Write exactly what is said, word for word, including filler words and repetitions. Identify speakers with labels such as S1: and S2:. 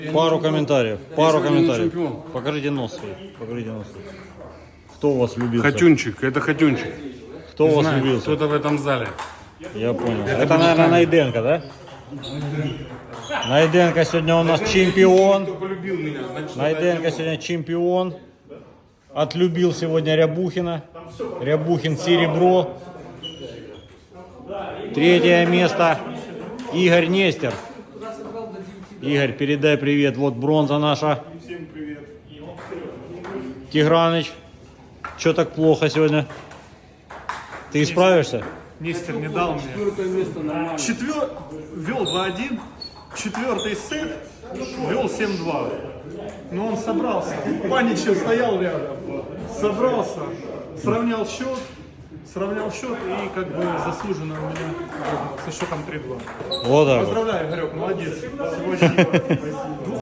S1: Пару комментариев. Пару
S2: сегодня не
S1: комментариев.
S2: чемпион.
S1: Покажите нос свой. Покажите нос свой. Кто у вас влюбился?
S2: Хатюнчик, это Хатюнчик.
S1: Кто у
S2: Не
S1: вас
S2: знаю,
S1: влюбился?
S2: кто-то в этом зале.
S1: Я понял. Это, наверное, Найденко, да? Найденко сегодня у нас чемпион.
S2: Кто полюбил меня, значит,
S1: Найденко сегодня чемпион. Отлюбил сегодня Рябухина. Рябухин серебро. Третье место. Игорь Нестер. Игорь, передай привет. Вот бронза наша.
S3: Всем привет.
S1: Тиграныч. Че так плохо сегодня? Ты исправишься?
S3: Нестер не дал мне.
S2: четвертое место нормально.
S3: Четвер... Вел два один. Четвертый сет. Вел семь-два. Но он собрался. Паничев стоял рядом. Собрался. Сравнял счет. Сравнял счет и как бы заслуженно у меня со счетом три-два.
S1: Вот так вот.
S3: Поздравляю, Игорек, молодец. Сегодня